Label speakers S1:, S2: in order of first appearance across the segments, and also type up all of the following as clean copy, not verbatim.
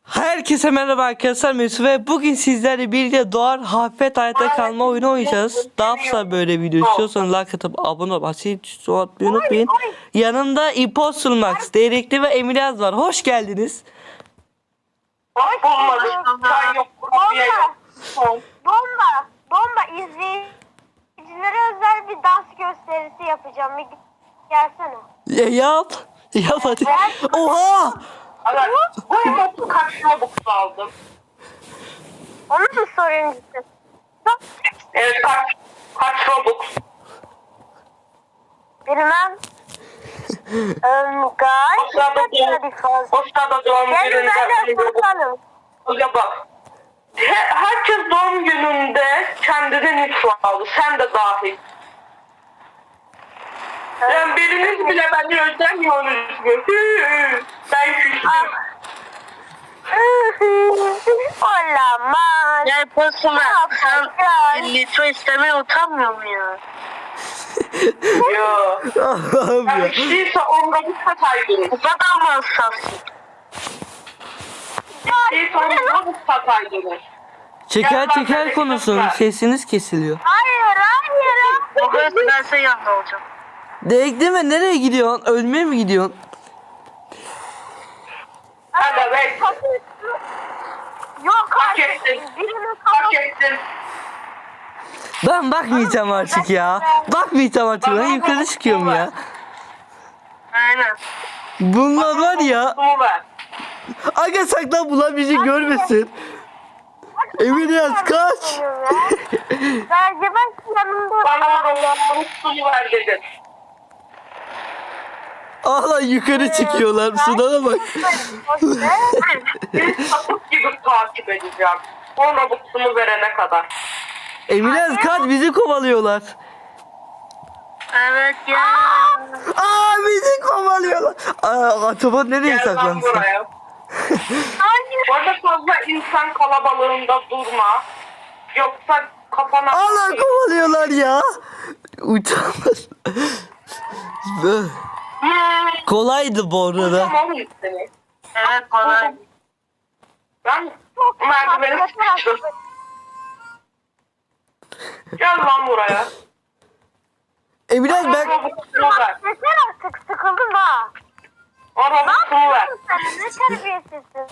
S1: Herkese merhaba arkadaşlar, Mesut ve bugün sizlerle birlikte Doğar Hafet Hayatta Kalma oyunu oynayacağız. Daha fazla böyle video istiyorsanız like atıp abone ol, asil atmayı unutmayın. Yanımda Imposter Max, Değrekli ve Emiraz var. Hoş geldiniz.
S2: Bomba izleyicilere özel bir dans gösterisi yapacağım. Bir gelsene.
S1: Yap hadi. Oha!
S3: Bu kaç Robux aldım?
S2: Onu mu soruyorsun?
S3: Evet kaç Robux?
S2: Bilmem.
S3: O sırada doğum
S2: Gelin
S3: gününde
S2: benimle konuşalım.
S3: Hoca bak. Herkes doğum gününde kendine nitro aldı. Sen de dahil. Yani biriniz bile beni özlemiyorsunuz mu? Ben küstüm.
S2: Olamaz.
S4: Ya Postuma sen litro istemeye utanmıyor mu ya?
S3: Yo.
S1: Allah'ım
S3: Ben
S1: ya.
S3: içtiyse onda bir sataydınız.
S4: Bu kadar mı hassasın?
S3: İçtiyse onda bir sataydınız.
S1: Çeker konuşun, sesiniz kesiliyor.
S2: Hayır.
S4: O kadar ben senin yanında olacağım.
S1: Değrekli mi? Nereye gidiyorsun? Ölmeye mi gidiyorsun?
S3: Hadi be.
S2: Yok
S3: Hak
S2: hayır.
S3: ettin.
S2: Birinin
S3: Hak
S2: kafası.
S3: ettin.
S1: Ben bakmayacağım artık ya. Bakmayacağım artık. Ben yukarı çıkıyorum ya.
S4: Aynen.
S1: Bunlar var ya.
S3: Bunu ver.
S1: Aga saklan, bunlar bizi görmesin. Emiraz kaç.
S2: Bence ben yanımda.
S3: Bana Robux'unu ver dedin.
S1: Allah, yukarı çıkıyorlar. Sudana bak.
S3: Bir sapık gibi takip edeceğim. O Robux'umu verene kadar.
S1: Emiraz kaç, bizi kovalıyorlar.
S4: Evet ya.
S1: Aa, bizi kovalıyorlar. Aa, Atobot nereye
S3: Gel lan
S1: saklansın?
S3: buraya. Bu arada fazla insan kalabalığında durma. Yoksa kafana...
S1: Allah, kovalıyorlar ya. Utanmaz. Kolaydı bu arada.
S3: Tamam mı seni?
S4: Evet kolay.
S3: Ben merdiveni sıkıştım. Gel lan buraya.
S1: Emiraz
S3: Bana
S1: ben...
S3: Robux'umu ver.
S2: Yeter artık sıkıldım ha.
S3: O Robux'umu ver.
S2: Sen ne terbiyesizsin.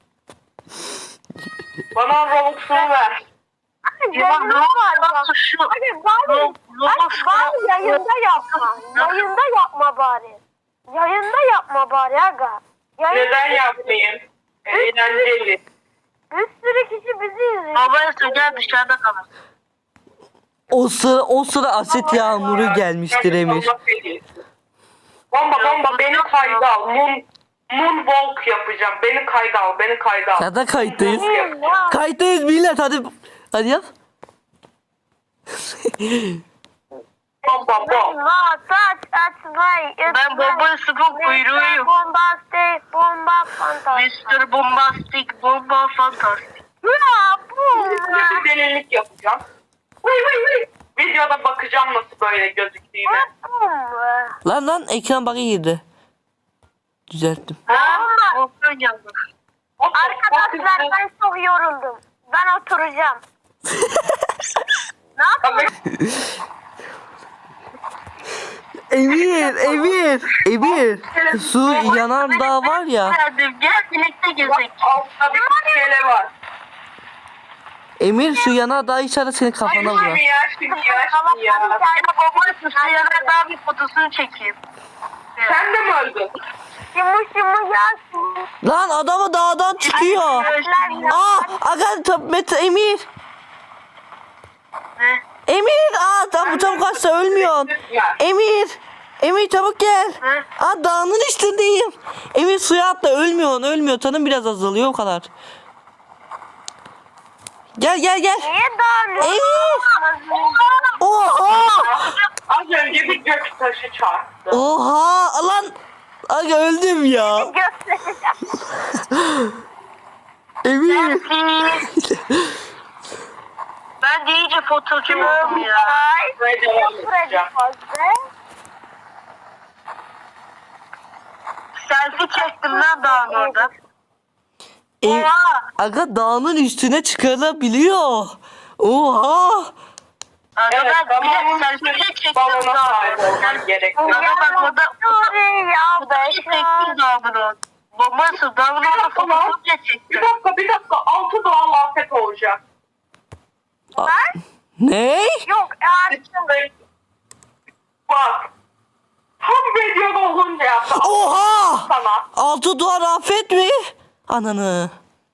S3: Bana Robux'umu ver.
S4: Ya ne var şu?
S2: Hadi bari yayında yapma. Yayında yapma bari. Yayında yapma bari aga.
S3: Neden yapmayayım? Eğlenceli.
S2: Bir sürü kişi bizi izliyor.
S4: Babaya söyle dışarıda kalın.
S1: O sıra asit yağmuru gelmiştir Emir.
S3: Bomba beni kayda al. Moonwalk yapacağım. Beni kayda al. Beni kayda al.
S1: Ya da kayıttayız.
S2: Ya.
S1: Kayıttayız millet, hadi. Hadi yap.
S3: Bomba.
S4: Ben Baba Sıfır kuyruğuyum.
S2: Bombastik, bomba, fantastik.
S4: Mr. Bombastic, bomba fantastik.
S2: Ya bu.
S3: Bir delilik yapacağım. Videoda bakacağım nasıl böyle gözüktüğüne.
S1: Lan ekran bug'a girdi. Düzelttim.
S4: Volkan yandı.
S2: Arkadaşlar ben çok yoruldum. Ben oturacağım. Ne yapayım?
S1: Emir. Su yanardağ var ya.
S4: Gel birlikte gezek.
S3: Altta bir şeyler var.
S1: Emir, şu yanardağ içeride senin kafana
S3: Şimdi
S1: vurar.
S3: ya.
S4: Baba Sıfır yana daha bir fotosunu çekeyim.
S3: Sen de mi öldün?
S2: Şimu gelsin.
S1: Lan adamı dağdan çıkıyor. Mete Emir.
S4: Ne?
S1: Emir, tam çabuk kaçsa ölmüyorsun. Emir çabuk gel.
S4: Ne?
S1: Dağının üstündeyim. Emir suya atla, ölmüyor. Tanım biraz azalıyor, o kadar. Gel.
S2: Niye dağılıyorsun?
S1: Emir. Oha.
S3: Az önce bir gök taşı çarptı.
S1: Oha lan. Aga öldüm ya.
S2: Göstereceğim.
S1: Emir.
S4: Ben de iyice fotoğrafçı oldum ya.
S3: Ve devam edeceğim.
S4: Selfie çektim lan dağın orada.
S1: Aga dağının üstüne çıkarabiliyor. Oha.
S4: Aga
S3: Evet,
S4: ben bir
S3: tamam.
S4: de selfie çektim
S3: Balona
S4: daha.
S3: sahip olman gerekiyor.
S4: Aga bak burada
S2: Ya
S4: selfie çektim daha bunu. Bombası ben bunu
S3: Bir
S4: orada
S3: dakika lan.
S4: fotoğrafla çektim.
S3: Bir dakika. 6 doğal afet olacak.
S1: Ne?
S2: Yok
S3: Bak. Tam videoda olunca yaptı.
S1: Oha.
S3: Sana.
S1: Altı duvar afet mi? Ananı.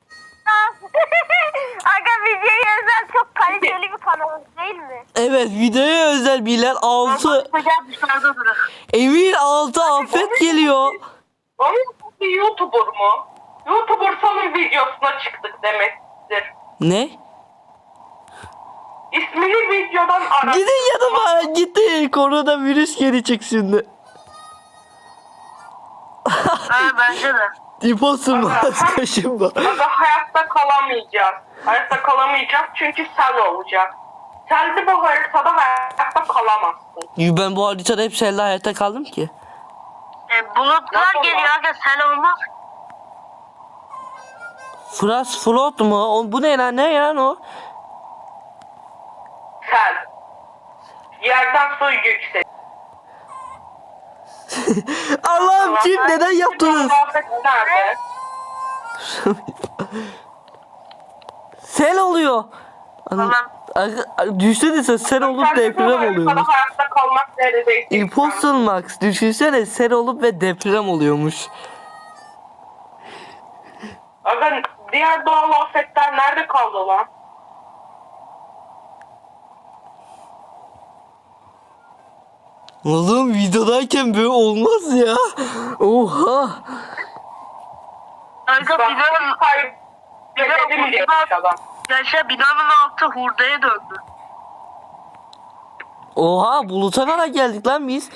S2: Aga videoya özel çok kaliteli bir kanal değil mi?
S1: Evet videoya özel bilen altı.
S4: Gel dışarıda bırak.
S1: Emir altı afet geliyor.
S3: Onun bir YouTuber mu? YouTuber sonun videosuna çıktık demektir.
S1: Ne?
S3: İsmini videodan ara.
S1: Gidin yanıma gitti. Koronavirüs gelecek şimdi.
S4: Ha bence de.
S1: İposun maske kaşınma.
S3: Aga hayatta kalamayacağız. Hayatta kalamayacağız çünkü sel olacak. Selde bu haritada hayatta kalamazsın.
S1: Ben bu haritada hep seninle hayatta kaldım ki.
S4: Bulutlar
S3: Nasıl
S4: geliyor
S3: var?
S4: aga sen olmaz.
S1: Frost float mu? Bu ne lan? Ne yani o?
S3: Sel. Yerden su yüksek.
S1: Allah'ım kim neden yaptınız?
S3: Afet nerede?
S1: Sel oluyor.
S4: Tamam.
S1: Düşünsene sen sel olup
S3: Selde bu
S1: deprem
S3: haritada
S1: oluyormuş.
S3: hayatta kalmak neredeyse.
S1: Imposter Max düşünsene sel olup ve deprem oluyormuş.
S3: Aga diğer doğal afetler nerede kaldı lan?
S1: Oğlum videodayken böyle olmaz ya. Oha.
S4: Aga
S3: Bak
S4: binanın,
S3: kaybedelim diye adam.
S4: yaşa binanın altı hurdaya döndü.
S1: Oha buluta kadar geldik lan biz.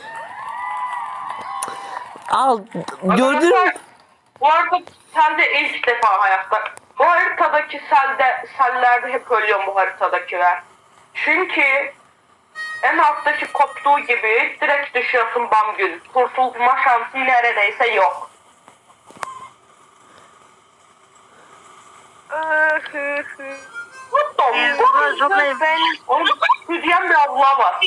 S1: Al gördün mü?
S3: Bu arada selde ilk defa hayatta. Bu haritadaki sellerde hep ölüyor bu haritadakiler. Çünkü en alttaki koptuğu gibi direkt düşüyorsun bam gün. Kurtulma şansı neredeyse yok. What the fuck? Oğlum hüdyen bir abla var.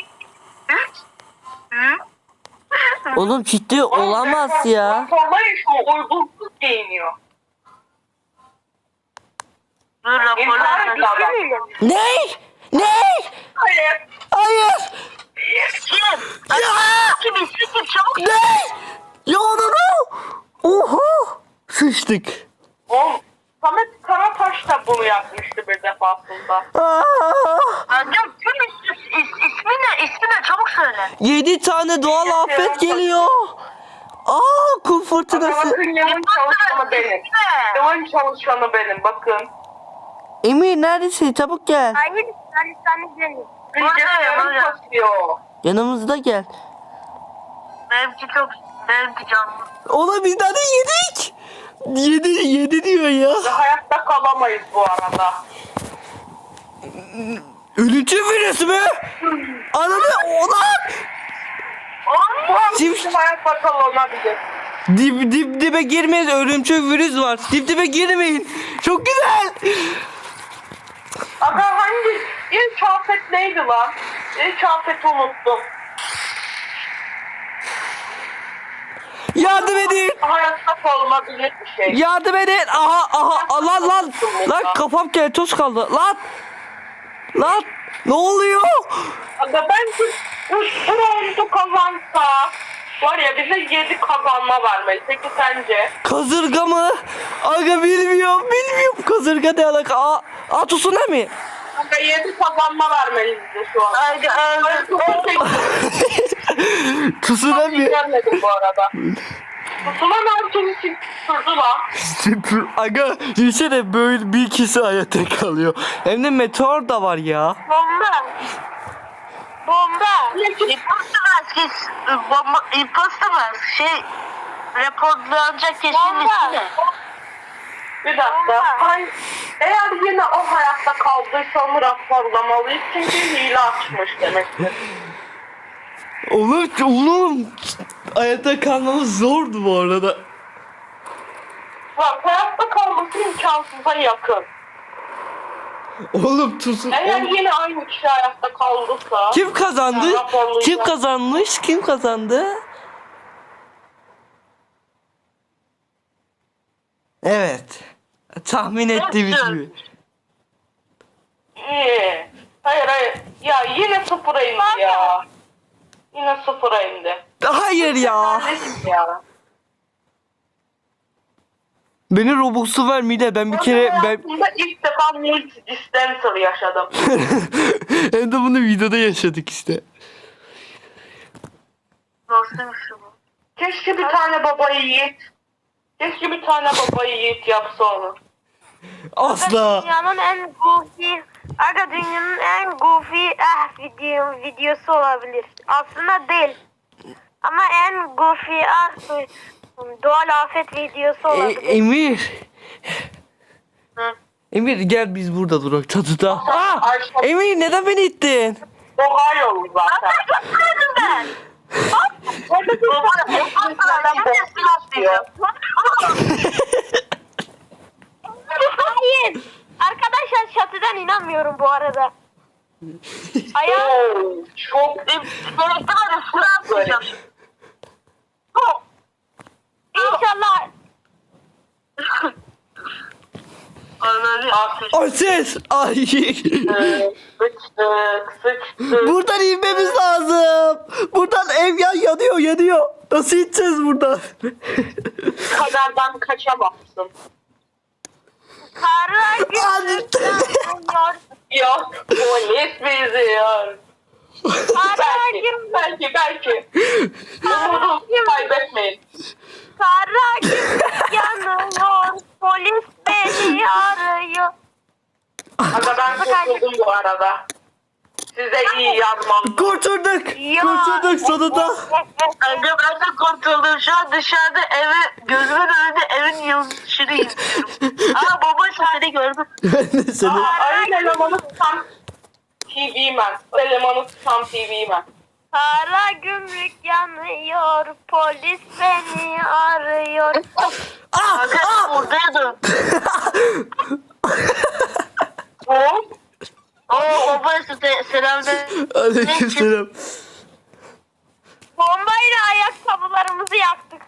S1: Oğlum ciddi olamaz ya.
S3: Raporlayın şu uygunsuz giyiniyor.
S4: Dur
S3: İntihar
S4: raporlar.
S3: etti adam.
S1: Ne? Ne?
S3: Hayır.
S1: Hayır.
S4: Kim? Kim isim çabuk.
S1: Ne? Ya onu. Oha. Sıçtık.
S3: Oğlum Samet Karataş da bunu yapmıştı bir defasında.
S1: Aa,
S4: Amcam kim ismi ne? İsmi ne? Çabuk söyle.
S1: 7 tane doğal afet geliyor. Aa kum fırtınası.
S3: Bakın yılın çalışanı benim. Yılın çalışanı benim bakın.
S1: Emir neredesin? Çabuk gel.
S2: Hayır sen gelin.
S3: Bilgisayarım kasıyor.
S1: Yanımızda gel.
S4: Benimki canlı.
S1: Oğlum biz daha da yedik. Yedi diyor ya.
S3: Ve hayatta kalamayız bu arada.
S1: Ölümcül virüs mü? Ananı ulan.
S3: Şimdi hayatta kalınabilir.
S1: Dibe girmeyiz. Ölümcül virüs var. Dibe girmeyin. Çok güzel.
S3: Aga hangi ilk afet neydi lan? İlk afeti unuttum.
S1: Yardım edin.
S3: Hayatta kalınabilir bir şey.
S1: Yardım edin. Aha lan. Lan kafam keltoz kaldı. Lan. Ne oluyor?
S3: Aga bence bu roundu kazansa var ya bize 7 kazanma vermeli. Peki sence?
S1: Kasırga mı? Aga bilmiyorum. Kasırga ne alaka? Tsunami.
S3: Aga 7 kazanma vermeli bize şu an.
S1: Tsunami.
S3: Gelmedim bu arada. Tsunami altını sürdü lan.
S1: Aga düşünsene böyle bir kişi hayatta kalıyor. Hem de meteor da var ya.
S2: Bomba.
S4: Imposter raporlanacak kişinin ismi ne?
S3: Bir dakika. Eğer yine o hayatta kaldıysa onu raporlamalıyız. Çünkü hile açmış demektir.
S1: Oğlum hayatta kalmamız zordu bu arada.
S3: Bak hayatta kalma şansı imkansıza yakın.
S1: Oğlum tutun.
S3: Eğer yine aynı kişi hayatta kalırsa...
S1: Kim kazandı?
S3: Ya, raporlayacağım.
S1: Kim kazanmış? Kim kazandı? Evet. Tahmin ettiğimiz gibi.
S3: İyi. Hayır. Ya yine sıfıra indi ya. Yine sıfıra indi.
S1: Hayır ya.
S3: Nesin ya?
S1: Beni Robux'u ver Mide. Ben bir kere ben
S3: Hayatımda ilk defa multi dispenser yaşadım.
S1: hem de bunu videoda yaşadık işte.
S4: Nasılmış bu?
S3: Keşke bir tane baba yiğit. Keşke bir tane baba yiğit yapsa onu.
S1: Asla.
S2: Dünyanın en goofy, dünyanın en goofy videosu olabilir. Aslında değil. Ama en goofy doğal afet videosu olabilir.
S1: Emir.
S4: Hı.
S1: Emir gel biz burada durak çatıda. Aa!
S3: Ayşe-
S1: Emir neden beni ittin?
S3: Ohio zaten.
S2: ben.
S3: Baba ekmeklerden boksu istiyor.
S2: Hayır. Arkadaşlar çatıdan inanmıyorum bu arada. Ayağı
S3: Oo, çok
S4: Gerekli var ya sıra atmayacağım.
S2: inşallah
S4: Ananı
S1: Ay ses. Ay.
S3: sıçtık.
S1: Buradan inmemiz lazım. Buradan ev yanıyor. Nasıl gideceğiz buradan?
S3: Kaderden kaçamazsın.
S2: kara gümrükler.
S3: Yok polis bizi yor.
S2: Kara
S3: Belki. Umudu kaybetmeyin.
S2: Kara gümrük yanıyor. Polis beni arıyor.
S3: Aga ben kurtuldum bu arada. Size iyi yazmam.
S1: Kurtulduk. Kurtulduk sonunda.
S4: Önce ben de kurtuldum. Şu an dışarıda gözümün önünde evin yıldızını izliyorum. Aa baba seni gördüm.
S1: Ben de seni.
S3: Ayın elemanı tam TV man. Elemanı tam TV man.
S2: Kara gümrük yanıyor. Polis beni arıyor.
S4: Kanka buradaydım.
S3: O
S4: Oo baba selam de.
S1: Aleykümselam.
S2: Bombayla ayakkabılarımızı yaktık.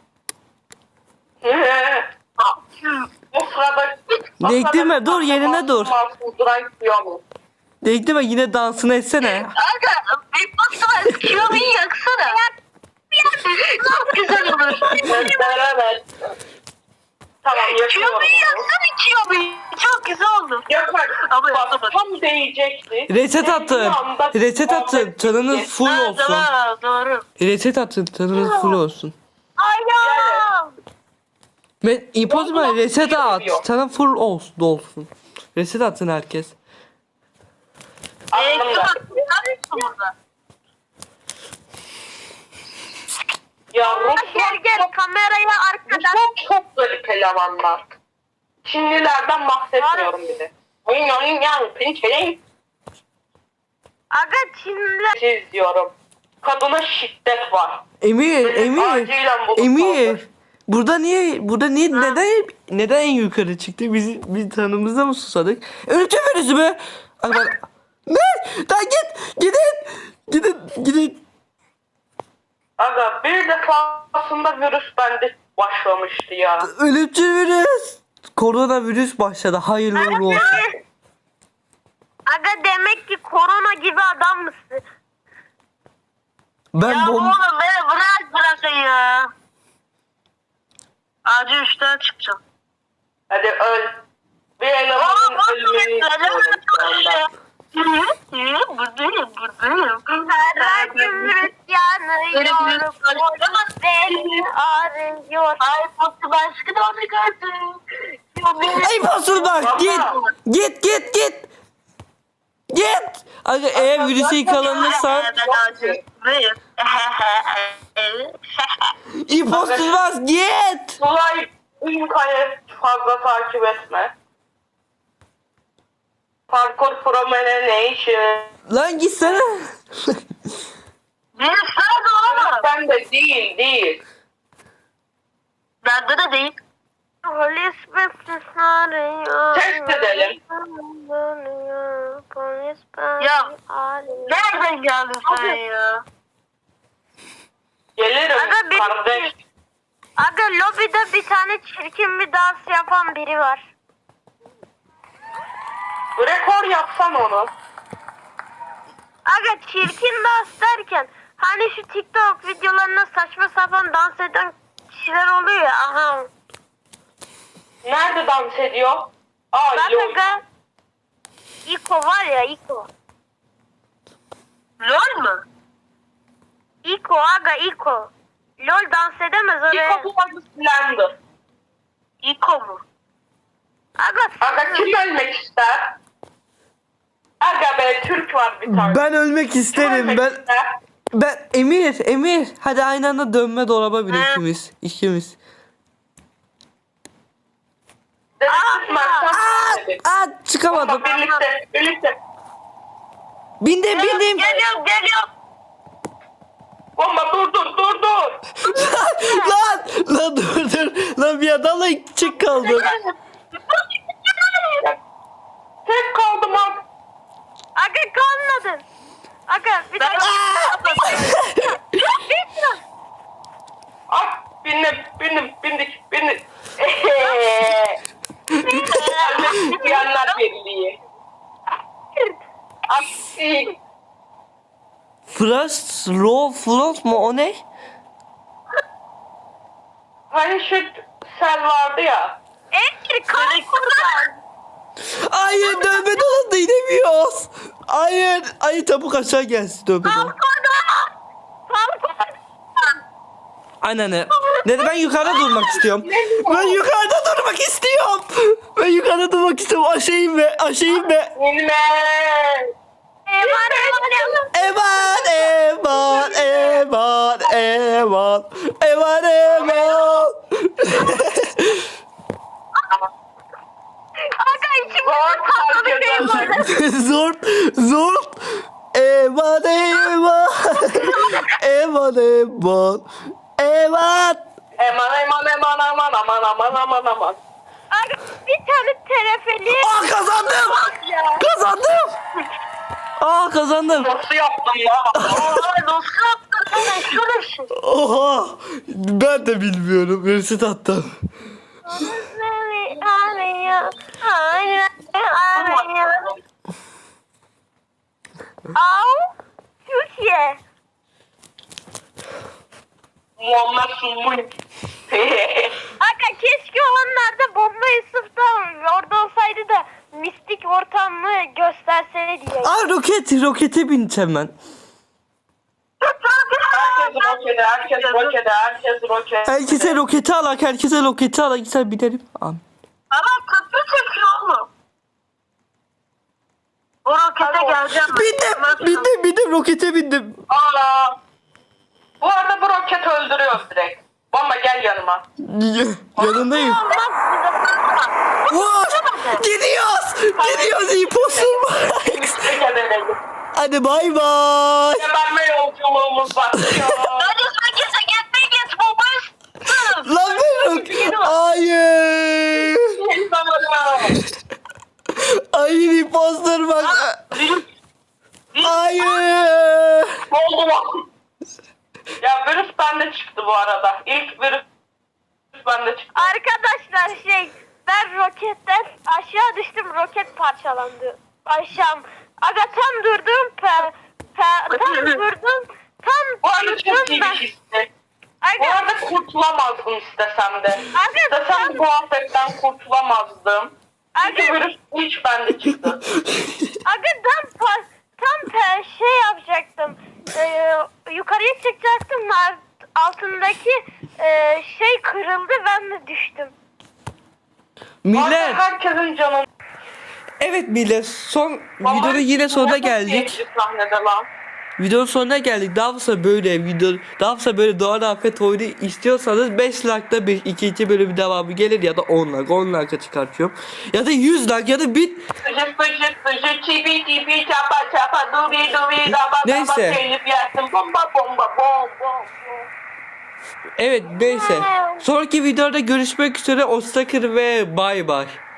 S3: o sırada...
S1: Bekleme, dur, yerine dur.
S3: Duran mu?
S1: Bekleme yine dansını etsene.
S4: Kanka bir bakma kilomeyi yaksana. Çok güzel olur.
S3: Beraber. Tamam yakıyorum.
S4: Kilomeyi yaksana kilomeyi. Çok güzel oldu.
S3: Yakar.
S4: Ama
S3: Bak
S4: yapamadım.
S3: tam değecekti.
S1: Reset attın.
S3: Dediğim anda
S1: Reset attın.
S3: muhabbet
S1: Canınız
S3: bitti.
S1: full
S4: Ha,
S1: olsun.
S4: tamam doğru.
S1: Reset attın. Canınız full olsun.
S2: Ayağım.
S1: Ben impozma reset at.
S3: Yok.
S1: Sana full olsun. Reset attın herkes.
S3: Aklımda.
S4: Bak burada.
S3: Ya
S2: Gel kameraya arkadan.
S3: Ruslar çok garip elemanlar. Çinlilerden bahsetmiyorum bile. Oyun pinçeleyin.
S2: Aga Çinliler.
S3: Siz diyorum. Kadına şiddet var.
S1: Emir.
S3: Acilen bunu
S1: Emir.
S3: kaldır.
S1: Burada niye neden en yukarı çıktı? Biz tanımızda mı susadık? Ölümcül virüsü mü? Ay ben... Ne? Lan gidin.
S3: Aga bir defasında virüs bende başlamıştı ya.
S1: Ölümcül virüs. Koronavirüs başladı. Hayırlı uğurlu olsun.
S2: Aga demek ki korona gibi adam mısın?
S1: Ben
S4: Ya oğlum beni bırakın ya. Acil 3'ten çıkacağım.
S3: Hadi öl. Bir elemanın ölümünü istiyorum şu anda.
S4: Buradayım.
S2: Kara gümrük yanıyor. Polis beni arıyor.
S4: Ay Fatih başka da onu gördüm.
S1: Ey basur bak git. Aga eğer virüse yakalanırsan
S4: Ben acil.
S1: impostor bas git.
S3: Tulay Ülkay'ı fazla takip etme. Parkour Promenation.
S1: Lan gitsene.
S4: Bir sırada olamaz.
S3: Ben de değil.
S4: Bende de değil.
S2: Polis misin
S3: gidelim.
S4: Ya. Nereden geldin sen
S2: Abi.
S4: ya?
S3: Gelirim
S2: Aga, bir-
S3: kardeş.
S2: Aga lobide bir tane çirkin bir dans yapan biri var.
S3: Rekor yapsan onu.
S2: Aga çirkin dans derken hani şu TikTok videolarına saçma sapan dans eden kişiler oluyor ya. Aha.
S3: Nerede dans ediyor? Aa
S2: Bak
S3: yok.
S2: aga. İko var ya İko.
S4: Lol mu?
S2: İko aga İko. LOL dans edemez öyle.
S3: İlk adı Slender.
S4: İko mu?
S2: Aga,
S3: Aga kim ölmek ister? Aga be Türk var bir tane.
S1: Ben ölmek
S3: Kim
S1: isterim.
S3: ölmek
S1: Ben
S3: ister?
S1: Emir. Hadi aynı anda dönme dolaba bin ikimiz.
S3: Dedektif Mert'ten dedik.
S1: Çıkamadım.
S3: Ama birlikte.
S1: Bindim.
S4: Geliyorum.
S3: Bomba dur.
S1: lan dur. Lan bir adamla çık kaldım.
S3: Tek kaldım abi.
S2: aga kalmadın. Aga bir dakika.
S3: Bindik. Ölmek isteyenler birliği. Aksi.
S1: Frost mu o ne?
S3: Hani şu sel vardı ya.
S2: Emir kalk buradan.
S1: Hayır dönme dolapta inemiyoruz. Hayır çabuk aşağı gelsin dönme dolap.
S2: Kalk oradan. Kalk oradan.
S1: Aynen öyle. Ben yukarıda durmak istiyorum. Ben yukarıda durmak istiyorum. Aşağı inme.
S3: İnme.
S1: Eman.
S2: Aga içimde tatlı bir şey var.
S1: Zor. Eman.
S3: Aman.
S2: Aga bir tane terefeli.
S1: Kazandım.
S3: Nasıl yaptım ya?
S4: Nasıl yaptın? Şurası.
S1: Oha. Ben de bilmiyorum. Resit attım.
S2: Au. Türkiye.
S3: Muhammed Sulmuy.
S2: Aga keşke onlarda bomba Yusuf'ta orada olsaydı da mistik ortamı gösterseydi ya.
S1: Rokete bineceğim ben.
S3: Herkes roket.
S1: Herkese roketi alak. Güzel binelim. Amin.
S4: Ama köprü çekiyor oğlum. O rokete geleceğim.
S1: Bindim. Rokete bindim.
S3: Aa. Bu arada bu roket öldürüyor direkt. Bomba gel yanıma.
S1: Yanındayım. Vur! Gidiyoruz impossible. Hadi bay bay.
S3: Geberme yolculuğumuz başlıyor.
S4: Hadi sen git babayız.
S1: Lan ben Hayır. Hayır imposter bak. Hayır.
S3: Oldu lan. Ya virüs bende çıktı bu arada. İlk virüs bende çıktı.
S2: Arkadaşlar ben roketten aşağı düştüm, roket parçalandı. Aga tam durdum
S3: Bu arada çok iyi bir
S2: ben.
S3: histi. Bu
S2: Aga,
S3: arada kurtulamazdım istesem de.
S2: Aga,
S3: İstesem de bu afetten kurtulamazdım. Çünkü
S2: Aga.
S3: virüs hiç bende çıktı.
S2: tam yapacaktım. Yukarıya çıkacaktım. Altındaki kırıldı, ben de düştüm.
S1: Millet.
S3: Herkesin canı.
S1: Evet millet. Videonun yine sonuna geldik.
S3: Sahnede lan.
S1: Videonun sonuna geldik. Daha fazla böyle Doğan Afet oyunu istiyorsanız 5 like'da ikinci bölümü devamı gelir ya da 10 like. 10 like'a çıkartıyorum. Ya da 100 like ya da 1000. Neyse. Evet neyse. Sonraki videoda görüşmek üzere. Hoşçakalın ve bay bay.